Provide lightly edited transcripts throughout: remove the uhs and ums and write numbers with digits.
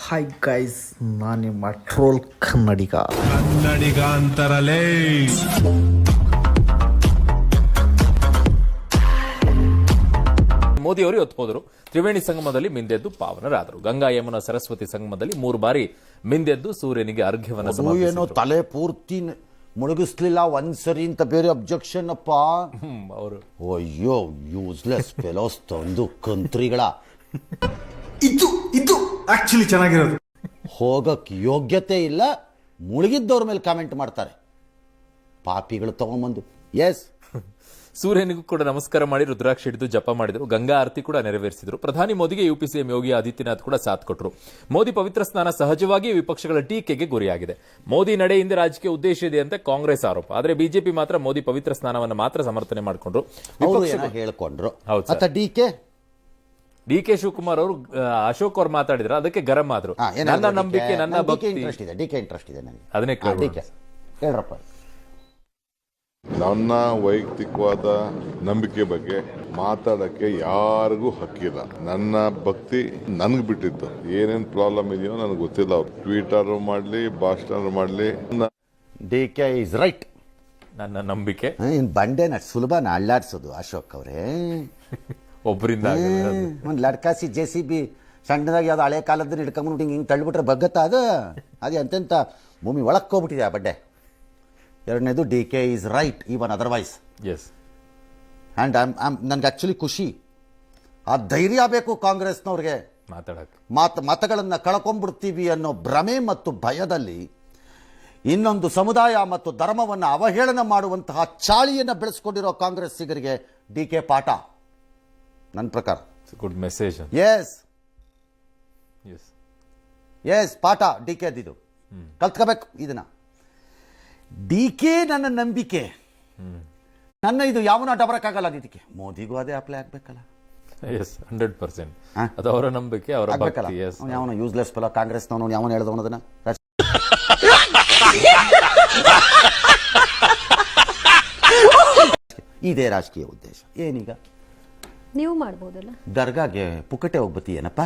Hi guys, ನಾನು ನಿಮ್ಮ troll ಕನ್ನಡಿಗ ಅಂತಾರಲೇ. ಮೋದಿ ಅವರು ಇವತ್ತು ಹೋದರು. ತ್ರಿವೇಣಿ ಸಂಗಮದಲ್ಲಿ ಮಿಂದೆದ್ದು ಪಾವನರಾದರು. ಗಂಗಾ ಯಮುನಾ ಸರಸ್ವತಿ ಸಂಗಮದಲ್ಲಿ 3 ಬಾರಿ ಮಿಂದೆದ್ದು ಸೂರ್ಯನಿಗೆ ಅರ್ಘ್ಯವನ್ನು ಸಮರ್ಪಿಸಿದರು. ತಲೆ ಪೂರ್ತಿ ಮುಳುಗಿಸ್ಲಿಲ್ಲ ಒಂದ್ಸರಿ ಅಂತ ಬೇರೆ ಅಬ್ಜೆಕ್ಷನ್ ಅಪ್ಪ ಅವರು. ಅಯ್ಯೋ ಯೂಸ್ಲೆಸ್ ಫೆಲೋಸ್ ತಂದು ಕಂತ್ರಿಗಳ. ಇದು ಆಕ್ಚುಲಿ ಚೆನ್ನಾಗಿರೋದು. ಹೋಗಕ್ ಯೋಗ್ಯತೆ ಇಲ್ಲ, ಮುಳುಗಿದ್ದವ್ರ ಮೇಲೆ ಕಾಮೆಂಟ್ ಮಾಡ್ತಾರೆ ಪಾಪಿಗಳು ತಗೊಂಬಂದು. ಎಸ್, ಸೂರ್ಯನಿಗೂ ಕೂಡ ನಮಸ್ಕಾರ ಮಾಡಿ ರುದ್ರಾಕ್ಷಿ ಹಿಡಿದು ಜಪ ಮಾಡಿದರು. ಗಂಗಾ ಆರತಿ ಕೂಡ ನೆರವೇರಿಸಿದರು. ಪ್ರಧಾನಿ ಮೋದಿಗೆ ಯುಪಿ ಸಿಎಂ ಯೋಗಿ ಆದಿತ್ಯನಾಥ್ ಕೂಡ ಸಾಥ್ ಕೊಟ್ಟರು. ಮೋದಿ ಪವಿತ್ರ ಸ್ನಾನ ಸಹಜವಾಗಿ ವಿಪಕ್ಷಗಳ ಟೀಕೆಗೆ ಗುರಿಯಾಗಿದೆ. ಮೋದಿ ನಡೆ ಹಿಂದೆ ರಾಜಕೀಯ ಉದ್ದೇಶ ಇದೆ ಅಂತ ಕಾಂಗ್ರೆಸ್ ಆರೋಪ. ಆದರೆ ಬಿಜೆಪಿ ಮಾತ್ರ ಮೋದಿ ಪವಿತ್ರ ಸ್ನಾನವನ್ನು ಮಾತ್ರ ಸಮರ್ಥನೆ ಮಾಡಿಕೊಂಡ್ರು. ಹೇಳ್ಕೊಂಡ್ರು. ಡಿ ಕೆ ಶಿವಕುಮಾರ್ ಅವರು ಅಶೋಕ್ ಅವರು ಮಾತಾಡಿದ್ರು, ಅದಕ್ಕೆ ಗರಂ ಆದ್ರು. ನನ್ನ ನಂಬಿಕೆ, ನನ್ನ ಭಕ್ತಿ, ಇಂಟ್ರೆಸ್ಟ್ ಇದೆ ನನಗೆ. ಅದನ್ನೇ ಹೇಳ್ರಪ್ಪ. ನನ್ನ ವೈಯಕ್ತಿಕವಾದ ನಂಬಿಕೆ ಬಗ್ಗೆ ಮಾತಾಡಕ್ಕೆ ಯಾರಿಗೂ ಹಕ್ಕಿಲ್ಲ. ನನ್ನ ಭಕ್ತಿ ನನ್ಗೆ ಬಿಟ್ಟಿದ್ದು. ಏನೇನ್ ಪ್ರಾಬ್ಲಮ್ ಇದೆಯೋ ನನಗೆ ಗೊತ್ತಿಲ್ಲ. ಅವ್ರು ಟ್ವೀಟರ್ ಮಾಡ್ಲಿ, ಭಾಷಣ ಮಾಡ್ಲಿ, ಡಿ ಕೆ ಇಸ್ ರೈಟ್. ನನ್ನ ನಂಬಿಕೆ. ಬಂಡೆನ ಸುಲಭ ಅಳ್ಳಾಡ್ಸೋದು ಅಶೋಕ್ ಅವರೇ. ಒಬ್ಬರಿಂದ ಒಂದು ಲಡ್ಕಾಸಿ JCB ಸಣ್ಣದಾಗಿ ಯಾವ್ದು ಹಳೆ ಕಾಲದಲ್ಲಿ ಹಿಡ್ಕೊಂಡ್ಬಿಟ್ಟು ಹಿಂಗೆ ತಳ್ಳಿಬಿಟ್ರೆ ಬಗ್ಗತ್ತಾ ಅದೇ ಅಂತೆಂತ ಭೂಮಿ ಒಳಕ್ಕೆ ಹೋಗ್ಬಿಟ್ಟಿದೆ ಆ ಬಡ್ಡೆ. ಎರಡನೇದು D K is right even otherwise. Yes, and ನನಗೆ ಆ್ಯಕ್ಚುಲಿ ಖುಷಿ. ಆ ಧೈರ್ಯ ಬೇಕು ಕಾಂಗ್ರೆಸ್ನವ್ರಿಗೆ. ಮತಗಳನ್ನು ಕಳ್ಕೊಂಡ್ಬಿಡ್ತೀವಿ ಅನ್ನೋ ಭ್ರಮೆ ಮತ್ತು ಭಯದಲ್ಲಿ ಇನ್ನೊಂದು ಸಮುದಾಯ ಮತ್ತು ಧರ್ಮವನ್ನು ಅವಹೇಳನ ಮಾಡುವಂತಹ ಚಾಳಿಯನ್ನು ಬೆಳೆಸ್ಕೊಂಡಿರೋ ಕಾಂಗ್ರೆಸ್ಸಿಗರಿಗೆ ಡಿ ಕೆ ಪಾಠ ನನ್ನ ಪ್ರಕಾರ. Good message. ಎಸ್ ಪಾಠ ಡಿ ಕೆ ಇದು ಕಲ್ತ್ಕೋಬೇಕು. ಇದನ್ನ ಡಿ ಕೆ ನನ್ನ ನಂಬಿಕೆ, ನನ್ನ ಇದು ಯಾವನ ಡಬರಕ್ಕಾಗಲ್ಲ. ಇದಕ್ಕೆ ಮೋದಿಗೂ ಅದೇ ಅಪ್ಲೈ ಆಗ್ಬೇಕಲ್ಲ. ಎಸ್, 100%. ಅದು ಅವರ ನಂಬಿಕೆ, ಅವರ ಭಕ್ತಿ. ಯಾವನ ಯೂಸ್ಲೆಸ್ ಫೆಲೋ ಕಾಂಗ್ರೆಸ್ನವನು ಯಾವನ ಹೇಳ್ದವನು ಅದನ್ನ. ಇದೇ ರಾಜಕೀಯ ಉದ್ದೇಶ. ಏನೀಗ ನೀವು ಮಾಡ್ಬೋದಲ್ಲ. ದರ್ಗಾಗೆ ಪುಕ್ಕಟೆ ಹೋಗ್ಬತ್ತಿ ಏನಪ್ಪ?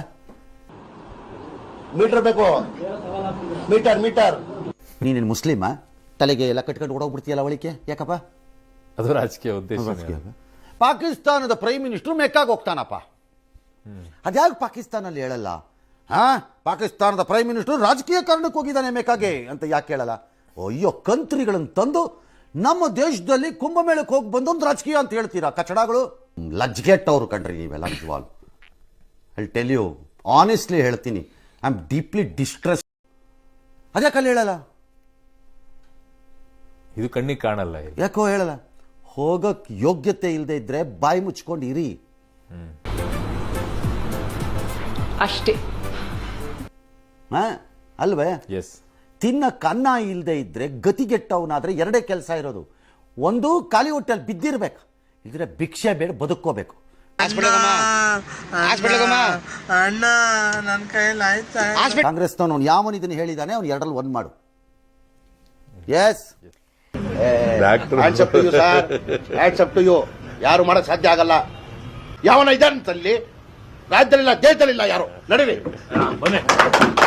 ಮೀಟರ್ ಬೇಕು, ಮೀಟರ್. ನೀನೇನು ಮುಸ್ಲಿಮಾ? ತಲೆಗೆ ಎಲ್ಲ ಕಟ್ಕೊಂಡು ಓಡೋಗ್ಬಿಡ್ತೀಯಲ್ಲ ಒಳಿಕೆ, ಯಾಕಪ್ಪ? ಅದು ರಾಜಕೀಯ ಉದ್ದೇಶ. ಪಾಕಿಸ್ತಾನದ ಪ್ರೈಮ್ ಮಿನಿಸ್ಟರ್ ಮೆಕ್ಕಾಗಿ ಹೋಗ್ತಾನಪ್ಪ. ಅದ್ಯಾಕೆ ಪಾಕಿಸ್ತಾನಲ್ಲಿ ಹೇಳಲ್ಲ? ಪಾಕಿಸ್ತಾನದ ಪ್ರೈಮ್ ಮಿನಿಸ್ಟರ್ ರಾಜಕೀಯ ಕಾರಣಕ್ಕೆ ಹೋಗಿದ್ದಾನೆ ಮೆಕ್ಕಾಗೆ ಅಂತ ಯಾಕೆ ಹೇಳಲ್ಲ? ಅಯ್ಯೋ, ಕಂತ್ರಿಗಳನ್ನು ತಂದು ನಮ್ಮ ದೇಶದಲ್ಲಿ ಕುಂಭಮೇಳಕ್ಕೆ ಹೋಗಿ ಬಂದೊಂದು ರಾಜಕೀಯ ಅಂತ ಹೇಳ್ತೀರಾ ಕಚಡಗಳು. ಲಜ್ಗೆಟ್ ಅವರು ಕಂಡ್ರಿ ನೀವೆಲ್ಲ. ನಿಜವಾಗ್ಲು ಐ ಟೆಲ್ ಯು ಆನೆಸ್ಟ್ಲಿ ಹೇಳ್ತೀನಿ, ಐ ಆಮ್ ಡೀಪ್ಲಿ ಡಿಸ್ಟ್ರೆಸ್. ಅದ್ಯಾಕಲ್ಲಿ ಹೇಳಲ್ಲ? ಇದು ಕಣ್ಣಿಗೆ ಕಾಣಲ್ಲ. ಯಾಕೋ ಹೇಳಲ್ಲ? ಹೋಗಕ್ ಯೋಗ್ಯತೆ ಇಲ್ಲದೆ ಇದ್ರೆ ಬಾಯಿ ಮುಚ್ಕೊಂಡು ಇರಿ ಅಷ್ಟೇ. ಅಲ್ವೇ? ಎಸ್. ತಿನ್ನಕ್ಕೆ ಅನ್ನ ಇಲ್ಲದೆ ಇದ್ರೆ ಗತಿಗೆಟ್ಟವನಾದ್ರೆ ಎರಡೇ ಕೆಲಸ ಇರೋದು. ಒಂದು, ಖಾಲಿ ಹೊಟ್ಟೆಯಲ್ಲಿ ಬಿದ್ದಿರ್ಬೇಕು, ಇದ್ರೆ ಭಿಕ್ಷೆ ಬೇಡ, ಬದುಕೋಬೇಕು. ಕಾಂಗ್ರೆಸ್ನವನು ಯಾವನು ಇದನ್ನು ಹೇಳಿದಾನೆ ಅವ್ನು ಎರಡರಲ್ಲಿ ಒಂದು ಮಾಡು. ಎಸ್, ಯಾರು ಮಾಡಕ್ ಸಾಧ್ಯ ಆಗಲ್ಲ. ಯಾವನ ಇದ್ದಾನಂತಲ್ಲಿ ರಾಜ್ಯದಲ್ಲಿಲ್ಲ, ದೇಶದಲ್ಲಿಲ್ಲ. ಯಾರು ನಡೀರಿ.